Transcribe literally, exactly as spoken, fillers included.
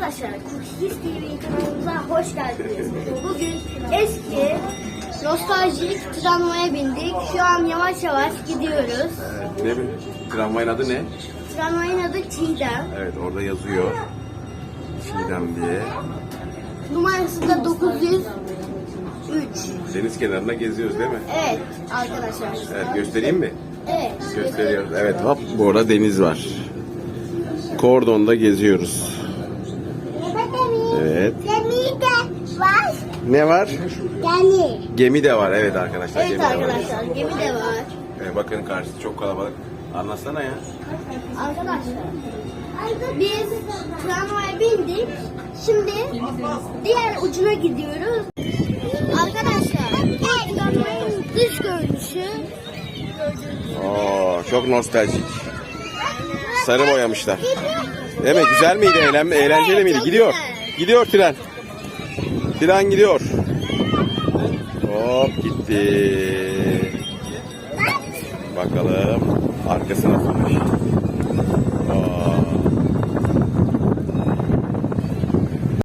Arkadaşlar Cookies T V kanalımıza hoş geldiniz. Bugün eski nostaljik tramvaya bindik. Şu an yavaş yavaş gidiyoruz. Ne bu? Tramvayın adı ne? Tramvayın adı Çiğdem. Evet, orada yazıyor. Çiğdem diye. Numarası da dokuz yüz üç. Deniz kenarında geziyoruz değil mi? Evet arkadaşlar. Evet, göstereyim mi? Evet. Gösteriyoruz. Evet, hop, bu arada deniz var. Kordonda geziyoruz. Evet. Gemi de var. Ne var? Gemi. Gemi de var, evet arkadaşlar. Evet gemi de var. arkadaşlar gemi de var. Evet, bakın karşısı çok kalabalık. Anlatsana ya. Arkadaşlar biz tramvaya bindik. Şimdi diğer ucuna gidiyoruz. Arkadaşlar bu tramvayın dış görünüşü. Oo, çok nostaljik. Sarı boyamışlar. Değil mi? Güzel miydi? Eğlenme, eğlenceli miydi? Çok Gidiyor. güzel. Gidiyor tren. Tren gidiyor. Hop gitti. Bakalım arkası nasılmış.